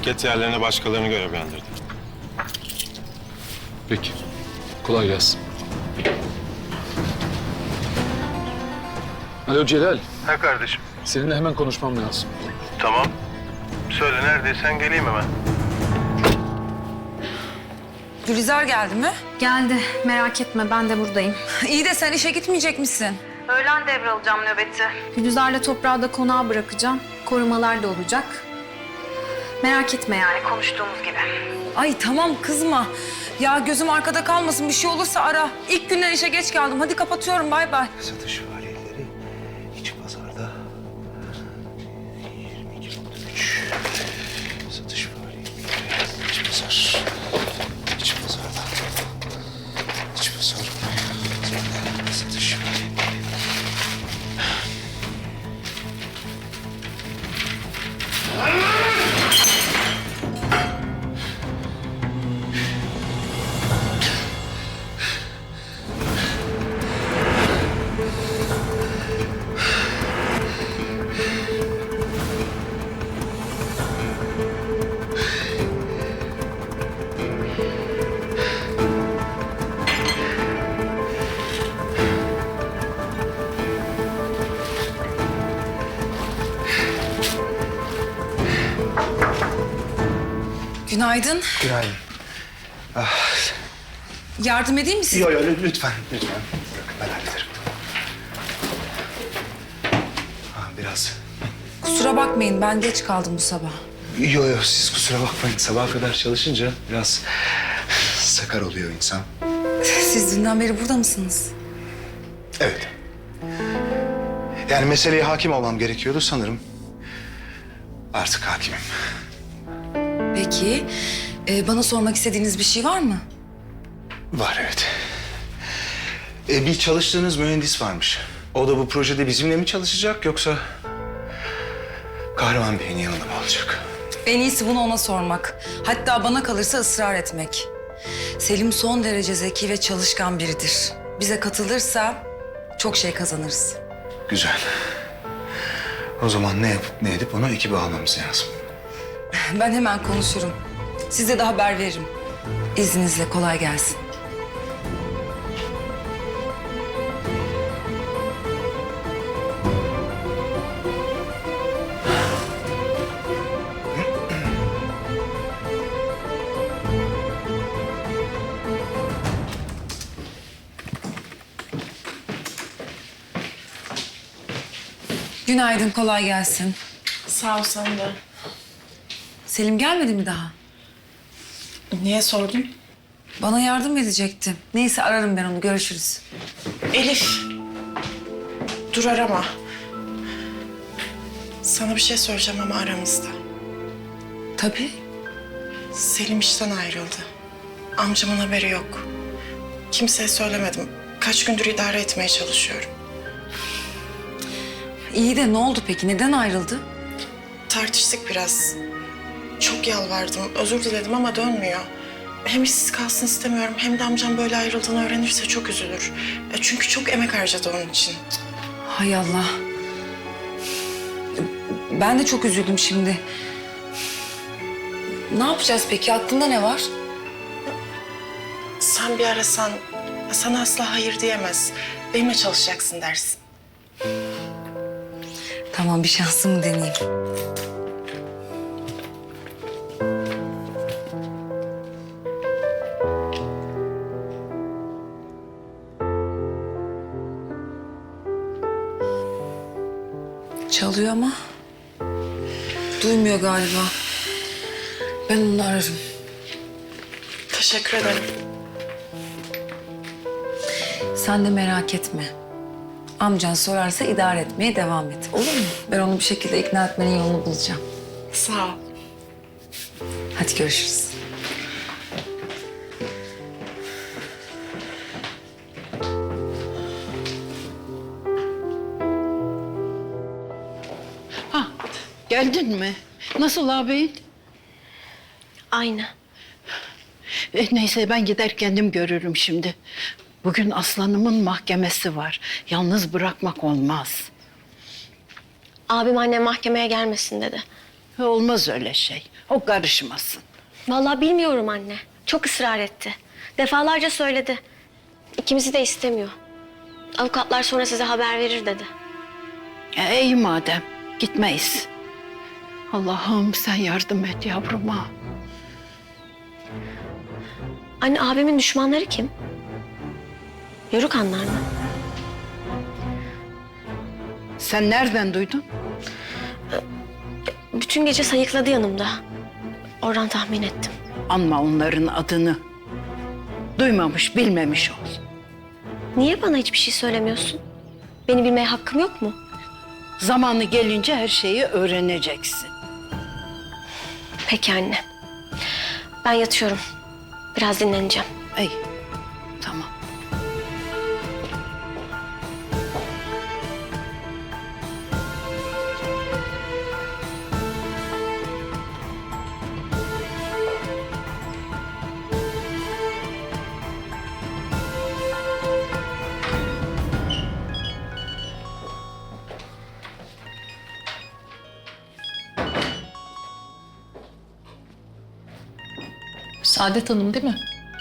Şirket yerlerine başkalarını görevlendirdik. Peki. Kolay gelsin. Alo Celal. Ha kardeşim. Seninle hemen konuşmam lazım. Tamam. Söyle neredeysen geleyim hemen. Gülizar geldi mi? Geldi. Merak etme ben de buradayım. İyi de sen işe gitmeyecek misin? Öğlen devralacağım nöbeti. Gülizar'la toprağı da konağa bırakacağım. Korumalar da olacak. Merak etme yani konuştuğumuz gibi. Ay tamam kızma. Ya gözüm arkada kalmasın, bir şey olursa ara. İlk günden işe geç kaldım. Hadi kapatıyorum, bay bay. Satış faaliyetleri iç pazarda 22.3. Satış faaliyetleri iç pazar. İç pazarda. İç pazar. Satış faaliyetleri. Günaydın. Günaydın. Yardım edeyim mi size? Yok lütfen. Bırakın ben hallederim. Biraz. Kusura bakmayın, ben geç kaldım bu sabah. Yok siz kusura bakmayın. Sabaha kadar çalışınca biraz sakar oluyor insan. Siz dünden beri burada mısınız? Evet. Yani meseleye hakim olmam gerekiyordu sanırım. Artık hakimim. Peki, bana sormak istediğiniz bir şey var mı? Var evet. Bir çalıştığınız mühendis varmış. O da bu projede bizimle mi çalışacak yoksa Kahraman Bey'in yanında mı olacak? En iyisi bunu ona sormak. Hatta bana kalırsa ısrar etmek. Selim son derece zeki ve çalışkan biridir. Bize katılırsa çok şey kazanırız. Güzel. O zaman ne yapıp ne edip onu ekibe almamız lazım. Ben hemen konuşurum. Size de haber veririm. İzninizle kolay gelsin. Günaydın, kolay gelsin. Sağ ol sen de. Selim gelmedi mi daha? Niye sordun? Bana yardım edecekti. Neyse ararım ben onu, görüşürüz. Elif. Dur arama. Sana bir şey söyleyeceğim ama aramızda. Tabii. Selim işten ayrıldı. Amcamın haberi yok. Kimseye söylemedim. Kaç gündür idare etmeye çalışıyorum. İyi de ne oldu peki? Neden ayrıldı? Tartıştık biraz. Çok yalvardım, özür diledim ama dönmüyor. Hem işsiz kalsın istemiyorum hem de amcam böyle ayrıldığını öğrenirse çok üzülür. Çünkü çok emek harcadı onun için. Hay Allah. Ben de çok üzüldüm şimdi. Ne yapacağız peki? Aklında ne var? Sen bir arasan, sana asla hayır diyemez. Benimle çalışacaksın dersin. Tamam, bir şansımı deneyeyim. Çalıyor ama duymuyor galiba. Ben onu ararım. Teşekkür ederim. Sen de merak etme. Amcan sorarsa idare etmeye devam et. Olur mu? Ben onu bir şekilde ikna etmenin yolunu bulacağım. Sağ ol. Hadi görüşürüz. Geldin mi? Nasıl ağabeyin? Aynı. Neyse ben gider kendim görürüm şimdi. Bugün aslanımın mahkemesi var. Yalnız bırakmak olmaz. Abim annem mahkemeye gelmesin dedi. Olmaz öyle şey. O karışmasın. Vallahi bilmiyorum anne. Çok ısrar etti. Defalarca söyledi. İkimizi de istemiyor. Avukatlar sonra size haber verir dedi. İyi madem gitmeyiz. Allah'ım sen yardım et yavruma. Anne abimin düşmanları kim? Yörükanlar mı? Sen nereden duydun? Bütün gece sayıkladı yanımda. Oradan tahmin ettim. Anma onların adını. Duymamış, bilmemiş ol. Niye bana hiçbir şey söylemiyorsun? Beni bilmeye hakkım yok mu? Zamanı gelince her şeyi öğreneceksin. Peki anne. Ben yatıyorum. Biraz dinleneceğim. İyi, tamam. Saadet Hanım değil mi?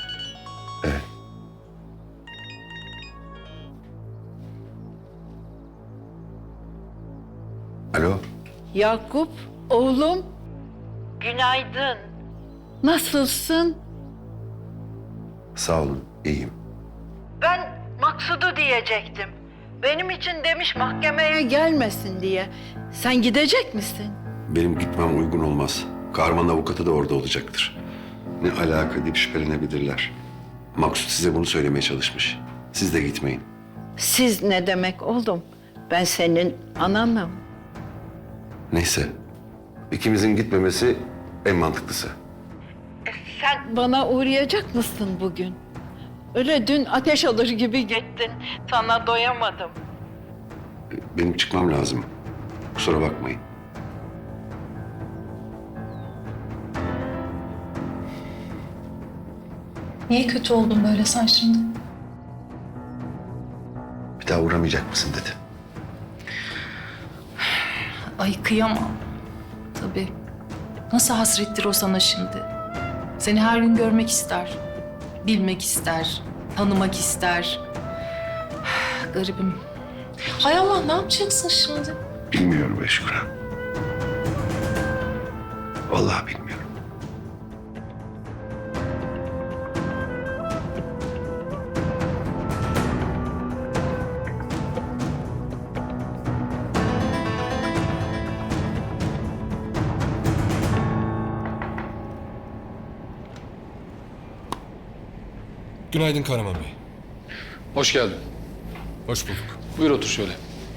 Alo, Yakup, oğlum. Günaydın. Nasılsın? sağ olun, iyiyim. Ben Maksud'u diyecektim. Benim için demiş mahkemeye gelmesin diye. Sen gidecek misin? Benim gitmem uygun olmaz. Kahraman avukatı da orada olacaktır. Ne alaka deyip şüphelenebilirler. Maksut size bunu söylemeye çalışmış. Siz de gitmeyin. Siz ne demek oğlum? Ben senin ananım. Neyse, ikimizin gitmemesi en mantıklısı. Sen bana uğrayacak mısın bugün? Öyle dün ateş alır gibi gittin. Sana doyamadım. Benim çıkmam lazım. Kusura bakmayın. Niye kötü oldun böyle sen şimdi? Bir daha uğramayacak mısın dedi. Ay kıyamam. Tabii. Nasıl hasrettir o sana şimdi? Seni her gün görmek ister. Bilmek ister. Tanımak ister. Garibim. Hay Allah ne yapacaksın şimdi? Bilmiyorum Eşkura. Vallahi bilmiyorum. Günaydın Kahraman Bey. Hoş geldin. Hoş bulduk. Buyur otur şöyle.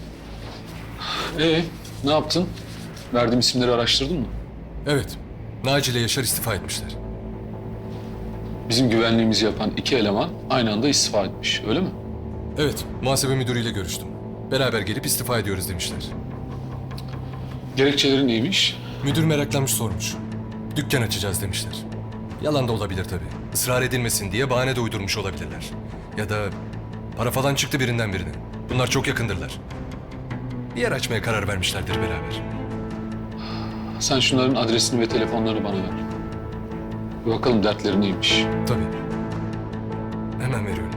Ne yaptın? Verdiğim isimleri araştırdın mı? Evet, Naci ile Yaşar istifa etmişler. Bizim güvenliğimizi yapan iki eleman aynı anda istifa etmiş, öyle mi? Evet, muhasebe müdürüyle görüştüm. Beraber gelip istifa ediyoruz demişler. Gerekçeleri neymiş? Müdür meraklanmış sormuş. Dükkan açacağız demişler. Yalan da olabilir tabii. Israr edilmesin diye bahane de uydurmuş olabilirler. Ya da para falan çıktı birinden birine. Bunlar çok yakındırlar. Bir yer açmaya karar vermişlerdir beraber. Sen şunların adresini ve telefonlarını bana ver. Bir bakalım dertleri neymiş. Tabii. Hemen veriyorum.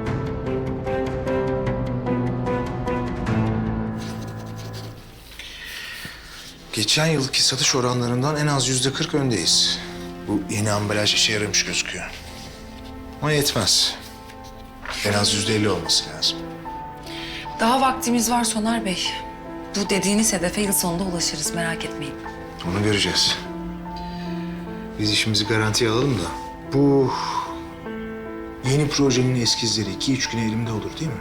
Geçen yılki satış oranlarından en az %40 öndeyiz. Bu yeni ambalaj işe yaramış gözüküyor. Ama yetmez. En az %50 olması lazım. Daha vaktimiz var Soner Bey. Bu dediğiniz hedefe yıl sonunda ulaşırız, merak etmeyin. Onu göreceğiz. Biz işimizi garantiye alalım da. Bu yeni projenin eskizleri 2-3 güne elimde olur değil mi?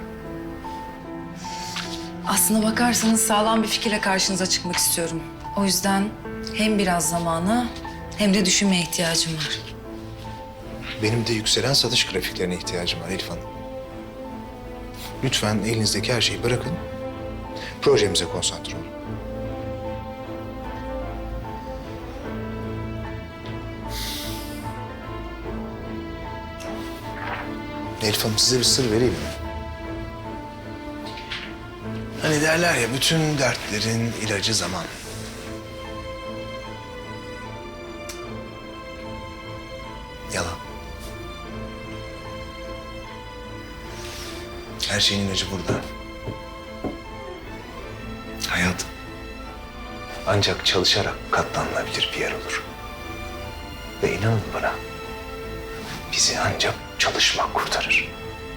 Aslına bakarsanız sağlam bir fikirle karşınıza çıkmak istiyorum. O yüzden hem biraz zamana hem de düşünmeye ihtiyacım var. Benim de yükselen satış grafiklerine ihtiyacım var Elif Hanım. Lütfen elinizdeki her şeyi bırakın. Projemize konsantre olun. Elif Hanım size bir sır vereyim mi? Hani derler ya bütün dertlerin ilacı zaman. Yalan. Her şeyin ilacı burada. Hayat ancak çalışarak katlanılabilir bir yer olur. Ve inanın bana, bizi ancak çalışmak kurtarır.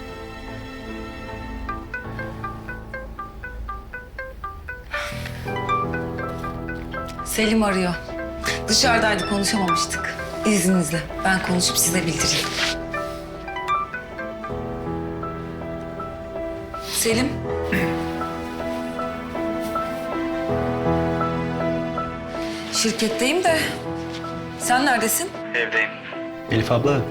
Selim arıyor. Dışarıdaydı, konuşamamıştık. İzninizle ben konuşup size bildireyim. Selim. Şirketteyim de sen neredesin? Evdeyim. Elif abla,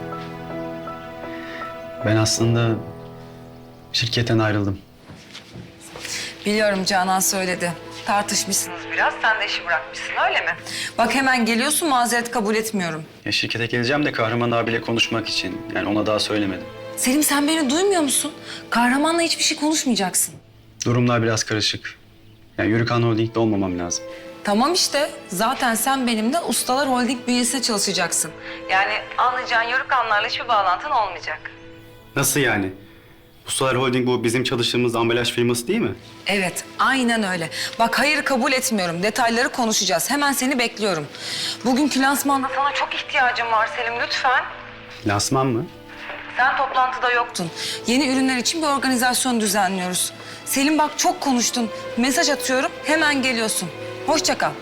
ben aslında şirketten ayrıldım. Biliyorum, Canan söyledi. Tartışmışsınız biraz, sen de işi bırakmışsın öyle mi? Bak hemen geliyorsun, mazeret kabul etmiyorum. Ya şirkete geleceğim de Kahraman abiyle konuşmak için. Yani ona daha söylemedim. Selim sen beni duymuyor musun? Kahramanla hiçbir şey konuşmayacaksın. Durumlar biraz karışık. Yani Yürükan Holding'de olmamam lazım. Tamam işte, zaten sen benimle Ustalar Holding bünyesinde çalışacaksın. Yani anlayacağın Yörükanlarla hiçbir bağlantın olmayacak. Nasıl yani? Ustalar Holding bu bizim çalıştığımız ambalaj firması değil mi? Evet, aynen öyle. Bak hayır kabul etmiyorum. Detayları konuşacağız. Hemen seni bekliyorum. Bugünkü lansmanda sana çok ihtiyacım var Selim, lütfen. Lansman mı? Sen toplantıda yoktun. Yeni ürünler için bir organizasyon düzenliyoruz. Selim bak çok konuştun. Mesaj atıyorum, hemen geliyorsun. Hoşça kal.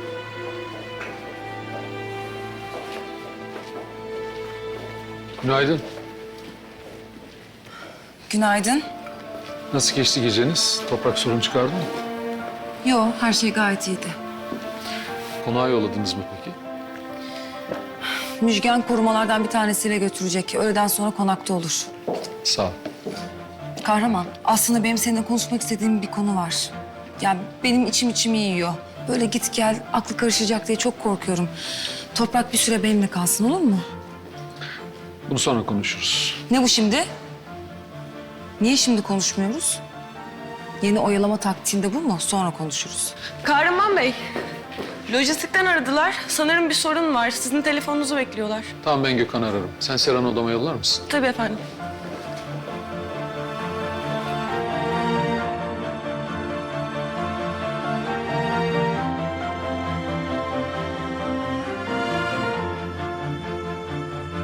Günaydın. Günaydın. Nasıl geçti geceniz? Toprak sorun çıkardı mı? Yo, her şey gayet iyiydi. Konağa yolladınız mı peki? Müjgan korumalardan bir tanesiyle götürecek. Öğleden sonra konakta olur. Sağ ol. Kahraman, aslında benim seninle konuşmak istediğim bir konu var. Yani benim içimi yiyor. Böyle git gel, aklı karışacak diye çok korkuyorum. Toprak bir süre benimle kalsın, olur mu? Bunu sonra konuşuruz. Ne bu şimdi? Niye şimdi konuşmuyoruz? Yeni oyalama taktiğinde bu mu? Sonra konuşuruz. Kahraman Bey, lojistikten aradılar. Sanırım bir sorun var. Sizin telefonunuzu bekliyorlar. Tamam, ben Gökhan'ı ararım. Sen Serhan'ı odama yollar mısın? Tabii efendim.